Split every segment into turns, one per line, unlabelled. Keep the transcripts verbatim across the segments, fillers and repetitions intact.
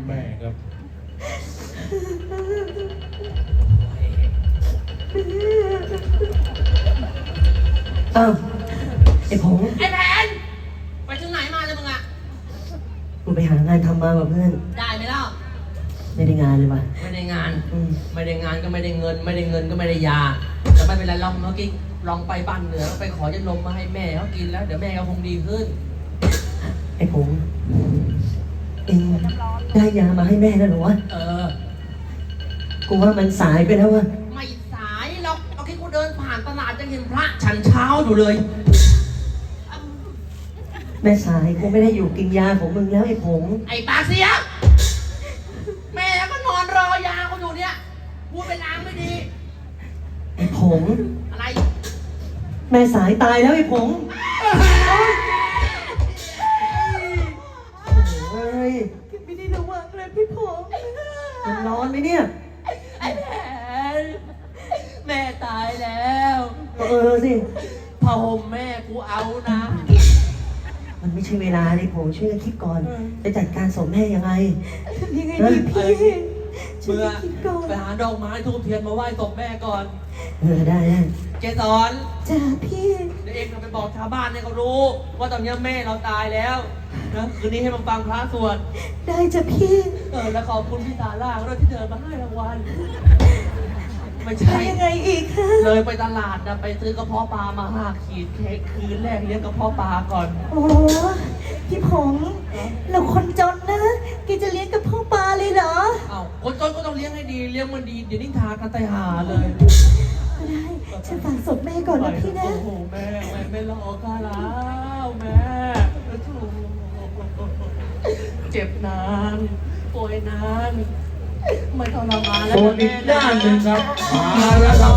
แม่ครับ
อ้าวไอ้ผง
ไอ้แผนไปถึงไหนมาเลยมึงอะ
กูไปหางานทำมากับเพื่อน
ได้ไหมเล่า
ไม่ได้งานเลยว่ะ
ไม่ได้งาน
อืม
ไม่ได้งานก็ไม่ได้เงิน ไม่ได้เงินก็ไม่ได้ยาแต่ไม่เป็นไรลองเมื่อกี้ลองไปบ้านเหนือไปขอยาลมมาให้แม่เขากินแล้วเดี๋ยวแม่เขาคงดีขึ้น
ไอ้ผงเอ็งได้ยามาให้แม่แล้วเหรอวะ
เออ
กูว่ามันสายไปแล้ววะ
ไม่สายหรอกเมื่อกี้กูเดินผ่านตลาดจะเห็นพระฉันเช้าอยู่เลย
แม่สายกูไม่ได้อยู่กินยาของมึงแล้วไอ้ผง
ไอ้ปากเสียแม่ก็นอนรอยาเขาอยู่เนี่ยพูดเป็นลางไม่ดี
ไอ้ผง
อะไร
แม่สายตายแล้วไอ้ผงเฮ้ย
ไม่ได้ระวังเลยพี่ผม
มันร้อนไหมเนี่ย
ไอ้แผนแม่ตายแล้ว
เออสิ
ผ้าห่มแม่กูเอานะ
มันไม่ใช่เวลาเลยผมช่วยกันคิดก่อน จะจัดการศพแม่ยังไง
ยังไงดีพี่เมื่อไปหาดอกไม้ทูบเทียนมาไหว้ศพแม่ก่อน
เออได้ได้
เกสร
จ้าพี่
เดี๋ยวเองไปบอกชาวบ้านให้เขารู้ ว่าตอนนี้แม่เราตายแล้วนะคืนนี้ให้มันฟังพระสวด
ได้จ้ะพี่
เออแล้วขอบคุณพี่ตาล่าด้วยที่เดินมาให้รางวัลไม่ใช่
ยังไงอีกคะ
เลยไปตลาดนะไปซื้อกระเพาะปลามาห้าขีดเค้กคืนแรกเลี้ยงกระเพาะปลาก่อน
โอ้พี่ผงเราคนจนนะแกจะเลี้ยงกับพ่อปลาเลยเหรอ
เอ้าคนจนก็ต้องเลี้ยงให้ดีเลี้ยงมันดีเดี๋ยวนิทากันไตหาเลย
ก็ได้ฉันฝากศพแม่ก่อนนะพี่นะ
โอ้โหแม่แม่ไม่รอข้าแล้วแม่เจ็บนานป่วยนานไม่ทรมานแล้ว
ส่วนอีกด้านหนึ่งครับมาแล้วครับ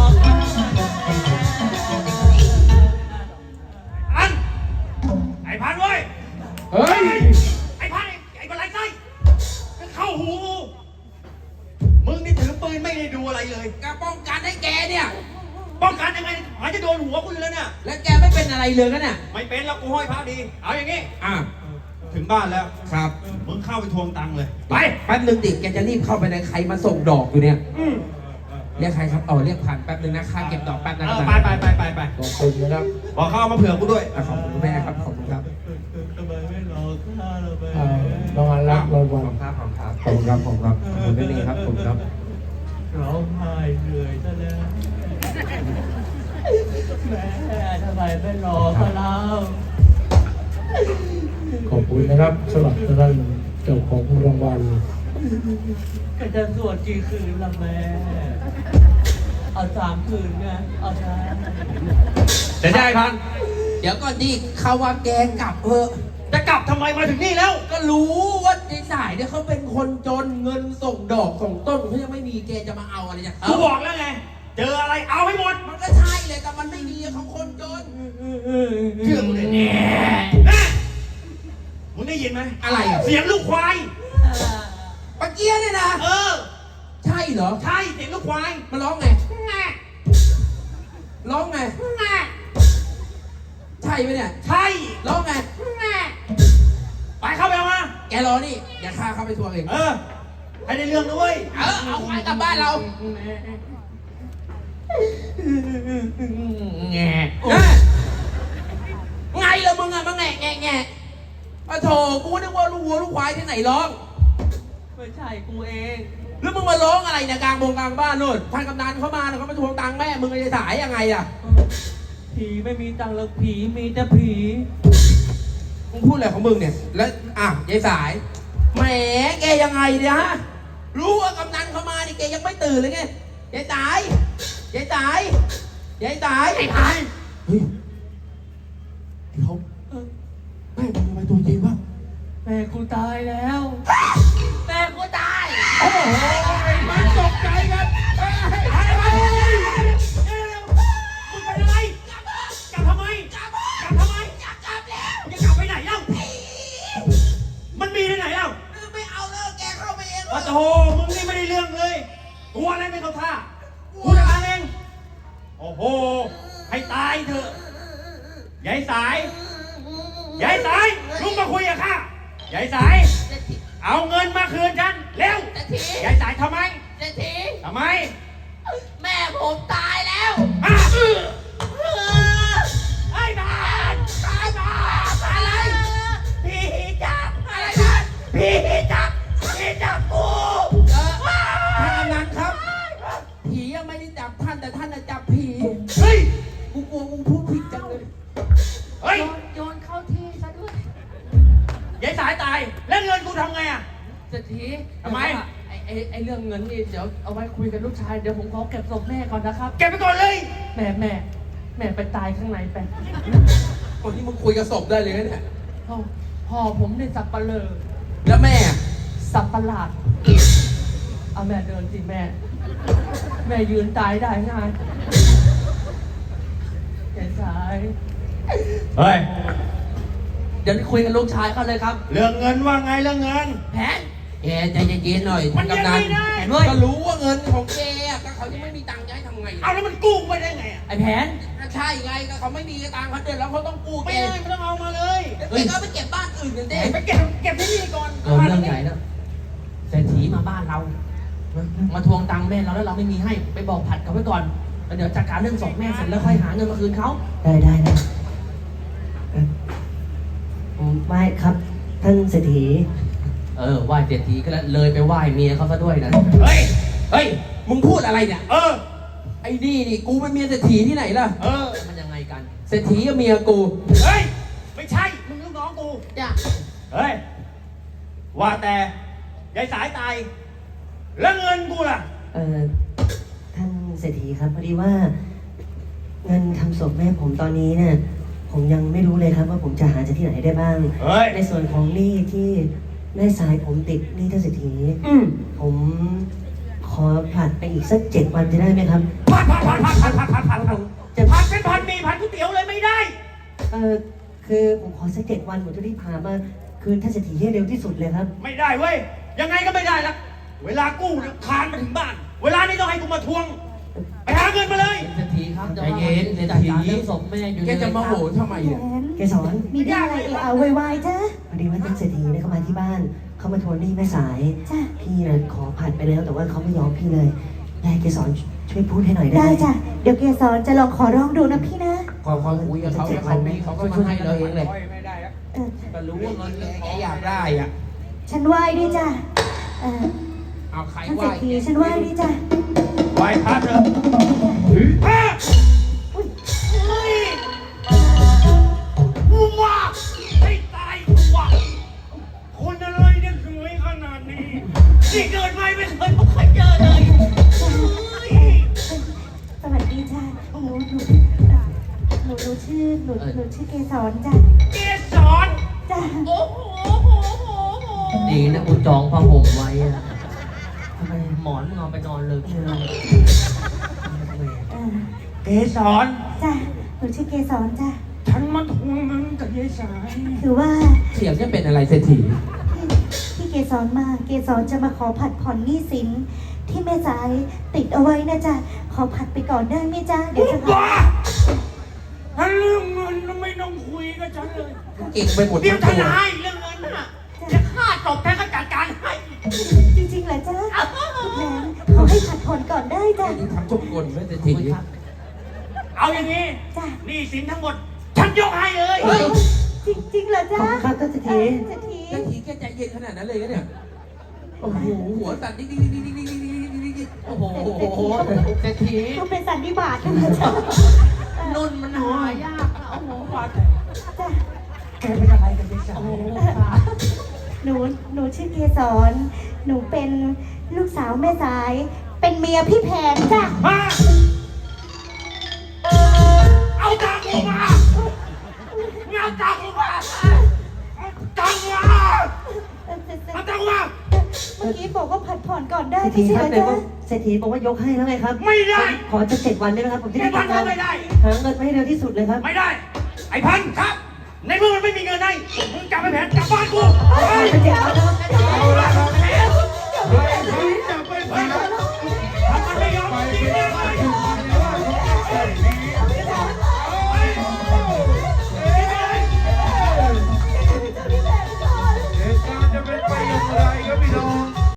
อันไอ้พันเว้ยเฮ้ยไอ้พันไอ้บันไลไส้เข้าหูมึงนี่ถือปืนไม่ได้ดูอะไรเลย
การป้องกันให้แกเนี่ย
ป้องกันยังไงหาจะโดนหัวกูอยู่แล้วเนี่ย
แล้วแกไม่เป็นอะไรเลยกันเนี่ย
ไม่เป็นแล้วกูห้อยพระดี เอาอย่างงี้
อ่ะ
ถึงบ้านแล้ว
ครับ
มึงเข้าไปทวงตังค์เลย
ไปแป๊บนึงดิแกจะรีบเข้าไปในใครมาส่งดอกอยู่เนี่ย
อืม
เรียกใครครับอ๋อเรียกผ่านแป๊บนึงนะค่าเก็บดอกแป๊บนะ
เอ
ครั
อบ ไปไปไปไปไป
ขอบคุณนะครับ
บอกเขาเอามาเผื่อกูด้วย
อ่ะขอบคุณคุณแม่ครับขอบคุณครับ
ทำไมไม่รอข้าเราไป
รางวัลรับรางวัลครับขอบคุณครับขอบคุณครับขอบคุณครับขอบคุณนี่ครับขอบคุณครับ
ร้องไห้เหนื่อยซะแล้วแม่ทำไมไม่รอข้าเรา
ขอบคุณนะครับสำหรับท่านเจ้าของรางวัล
ก็จะสวดกี่คืนละแม่ เอาสามคืนไงเอาสาม
จะได้พัน
เดี๋ยวก่อนดิเขาว่าแกกลับเถอะ
จะกลับทำไมมาถึงนี่แล้ว
ก็รู้ว่าในสายเนี่ยเขาเป็นคนจนเงินส่งดอกส่งต้นเขายังไม่มีแกจะมาเอาอะไรจาก
กู
เขา
บอกแล้วไง เจออะไรเอาให้หมด
มันก็ใช่เลยแต่มันไม่มีเขาคนจน
เชื่อกูเลยเนี่ยนะมึงได้ยินไหม
อะไรอ่ะ
เสียงลูกควาย
ปะเกียเนี่ยนะ
เออ
ใช่เหรอ
ใช่เสียงลูกควาย
มันร้องไง
แง่
ร้องไง
แง่
ใช่ไหมเนี่ย
ใช่
ร้องไง
แง่ไปเข้าไปเอามา
แกรอนี่อย่าฆ่าเข้าไปทวงเอง
เออ ให้ได้เรื่องด้วย
เออเอาควายกลับบ้านเรา
แง่
ไงล่ะมึงอะมาแงะแงะแงะปะโถกูนึกว่าลูกวัวลูกควายที่ไหนร้อง
ไม่ใช่กูเอง
แล้วมึงมาร้องอะไรเนี่ยกลางบงกลางบ้านนู่นท่านกำนันเขามาเขามาทวงตังค์แม่มึงจะสายยังไงอะ
ผีไม่มีตังค์หรอกผีมีแต่ผี
มึงพูดอะไรของมึงเนี่ยแล้วอ่ะยายสายแหมแกยังไงเนี่ยฮะรู้ว่ากำนันเขามานี่แกยังไม่ตื่นเลยไงยายสายยายสายยายสายไอ้พันเฮ้ยเดี๋ยวแม่มึงทำไมตัวเย็นวะ
แม่กูตายแล้ว แม่กูตาย
โอ้โหมันตกใจกันเฮ้ยเฮ้ยเฮ้ยเฮ้ยเฮ้ยมึงเป็นอะไรกลับกลับทำไมกลับกลับทำไมกลับกลับแล้วมึงจะกลับไปไหนเล่ามันมีที่ไหนเล่า
ไม่เอาแล้วแกเข้าไปเอง
โอ้โหมึงนี่ไม่ได้เรื่องเลยตัวอะไรไม่เข้าท่ากูจะทำเองโอ้โหให้ตายเถอะยายสายยายสายลุกมาคุยกับข้ายายสายเอาเงินมาคืนฉันยายสายทำไม
เศรษฐี
ทำไม
แม่ผมตายแล้ว
อ่ะไอ้บ้านตายบ้านอะไรผีจับอะไรนะผีจับผีจับกู
เออท่านกำนันครับ ผียังไม่ได้จับท่านแต่ท่านน่ะจับผี
เฮ้ย
กูกลัวกูพูดผิดจังเลย
เฮ้ย
โยนเข้าที่ซะด้วย
ยายสายตายแล้วเงินกูทำไงอ่ะ
เศรษฐี
ทำไม
ไอ้ไอ้ไอ้เรื่องเงินนี่เดี๋ยวเอาไว้คุยกับลูกชายเดี๋ยวผมขอเก็บศพแม่ก่อนนะครับ
เก็บไปก่อนเลย
แม่แม่แม่ไปตายข้างในไป
คนที่มึงคุยกับศพได้เลยนะเนี่ย
พ่อพ่อผมเนี่ยสับปะเลอ
แล้วแม่
สับประหลาดเอาแม่เดินสิแม่ แม่ยืนตายได้ง่ายแกสาย
เฮ้ย
เดี๋ยวคุยกับลูกชายเขาเลยครับ
เรื่องเงินว่าไงเรื่องเงิน
แผน
แกใจเย็นๆหน่อย
มั
ท่าน น
ยัง
กำนัน
ไม่ได้
เห็นด้วย
ก็รู้ว่าเงินของแกอะก็เขายังไม่มีตังค์จะให้ทำไง
เอาแล้วมันกู้ไปได้ไงอ่ะ
ไอ้แผน
ใช่ไงก็เขาไม่มีตังค์เขาเดือดแล้วเขาต้องกู้แก
ไม่ได้ไม่ต้องเอามาเลย
แกก็ไปเก็บบ้านอื่นกันเด้
ไปเก็บเก็บที่นี่ก่อน
เกิดเรื่องใหญ่แล้วเศรษฐีมาบ้านเรา มาทวงตังค์แม่เราแล้วเราไม่มีให้ไปบอกผัดเขาไว้ก่อนแล้วเดี๋ยวจัดการเรื่องศพแม่เสร็จแล้วค่อยหาเงินมาคืนเขา
ได้ได้ได้เอ่อผมไหว้ครับท่านเศรษฐี
เออไหว้เศรษฐีก็แล้วเลยไปไหว้เมียเขาซะด้วยนะ
เฮ้ย
เฮ้ย มึงพูดอะไรเนี่ย
เออ
ไอ้นี่นี่กูเป็นเมียเศรษฐีที่ไหนล่ะ
เออ
มันยังไงกัน
เศรษฐีกับเมียกู
เฮ้ย ไม่ใช่ มึงลูกน้องกู
จ้ะ
เฮ้ย ว่าแต่ยายสายตาย แล้วเงินกูล่ะ
เอ่อท่านเศรษฐีครับพอดีว่า เงินทำศพแม่ผมตอนนี้เนี่ยผมยังไม่รู้เลยครับว่าผมจะหาจากที่ไหนได้บ้าง
เฮ้ย
ในส่วนของหนี้ที่แม่สายผมติดหนี้ท่านเศรษฐี
อืม
ผมขอผลัดไปอีกสักเจ็ดวันจะได้ไหมครับ
พัดพัดพัดพัดพัดพัดพัดพัด
ผมจะ
พัดเป็นพันมีพันก๋วยเตี๋ยวเลยไม่ได้
เออคือผมขอสักเจ็ดวันผมจะรีบพามาคืนท่านเศรษฐีให้เร็วที่สุดเลยครับ
ไม่ได้เว้ย ยังไงก็ไม่ได้ละเวลากู้เนี่ยคานมาถึงบ้าน เวลานี้ต้องให้กูมาทวง ไปหาเงินมาเลย
เศรษฐีครับ
ใจเย็น
เศรษฐีเรื่องศพแม่อยู่
แกจะมาโหนทำไม
แผ
เนี่ย
น
เกสร
มีเรื่องอะไรเอะอะโวยวายจ้ะ
พอดีว่าท่านเศรษฐีเนี่ยเขามาที่บ้าน เขามาทวงหนี้แม่สาย
จ้ะ
พี่นะขอผัดไปแล้วแต่ว่าเขาไม่ยอมพี่เลยยายเกสรช่วยพูดให้หน่อยได้
ได้
ไหม
จ้ะ เดี๋ยวเกสรจะลองขอร้องดูนะพี่นะ
ขอความคุยกับเขาแล้วเขามีเขาก็มาให้เราเองเลย
ไม่ได้ครับ
เออ
ก็รู้ว่าเงินแกอยากได้อ่ะ
ฉันไหว้ด้วยจ้ะเออ
เอาใคร
ท่าน
ไห
เศร
ว้
ษฐีฉันไหว้ด้วยจ้ะ
ไหวพระเถอะพระเฮ้ยกูว่าให้ตายกูว่าคนอะไรเนี่ยสวยขนาดนี้นี่เกิดมาไม่เคยไม่เคยเจอเลยเฮ้ย
สวัสดีจ้ะหนูหนูหนูหนูชื่อหนูหนูชื่อเกสรจ้ะ
เกสร
จ้ะ
โอ้โหโอ้โหโอ้โห
ดีนะกูจองผ้าห่มไว้อะ
ทำไม
หมอนมึงเอาไปนอนเลย
เออทำไม
เออ
เกสร
จ้ะหนูชื่อเกสรจ้ะ
ฉันมาทวงเงินกับยายสาย
คือว่า
เสียงจะเป็นอะไรเศรษฐี
ที่เกสรมา เกสรจะมาขอผัดผ่อนหนี้สินที่แม่สายติดเอาไว้นะจ๊ะ ขอผัดไปก่อนได้ไหมจ๊ะ เดี๋ยวจะพา
บ้าถ้าเรื่องเงินน่ะไม่ต้องคุยกับฉันเลย
เก่งไปหมด
เดี๋ยว
ทั้
ฉั
ง
น
ตัว
ให้เรื่องเงินน่ะจะฆ่าจบแค่ก็จัดการให้
จริงๆเหรอจ๊ะคุณแผนขอให้ผัดผ่อนก่อนได้จ้ะ
นี่ทำทุกคนไม่เศรษฐี
เอาอย่างนี้
จ้ะ
หนี้สินทั้งหมด ฉันยกให้เลย
เฮ้ยจริงๆเหรอ
ข
จ๊ะ
อบคุณครับท่านเศรษฐี
เศรษฐี
เศรษฐีแกใจเย็นขนาดนั้นเลยเนี่ย โอ้โห หัวสั่นดิ๊กดิ๊กดิ๊กดิ๊กดิ๊กดิ๊กดิ๊กดิ๊กดิ๊ก
โอ้โหเศรษฐี
เขาเป็นสันนิบาตนะจ๊ะ
นุ่นมันหายากนะโอ้โหวัด
จ้ะ
แกเป็นอะไรกันยายสา
โอ้
ย
โห
หนูหนูชื่อเกสร หนูเป็นลูกสาวแม่สาย เป็นเมียพี่แผนจ้ะ
มาเอาตังค์กูมาเอาตังค์กูมาเอาตังค์มา
เอ่อเอ่อ
เอาตังค์มา
เมื่อกี้บอกว่าผัดผ่อนก่อนได้
เศรษฐี
ไม่ใช่
ค
เห
รั
ร
บ
อ
แต่ว่า
จ๊ะ
เศรษฐีบอกว่ายกให้แล้วไงครับ
ไม่ได้
ขอจะเจ็ดวันได้ไหมครับผมจะ
เจ็
ได้
ดวัน
ทำงา
ก็
น
ไม่ได้
หาเงินมาให้เร็วที่สุดเลยครับ
ไม่ได้ ไอ้พันธุ์ครับ ในเมื่อมันไม่มีเงินให้มึงกลับไปแผนกลับบ้านกู
ขอจะเจ็ดวันนะครับ
เอาละแผน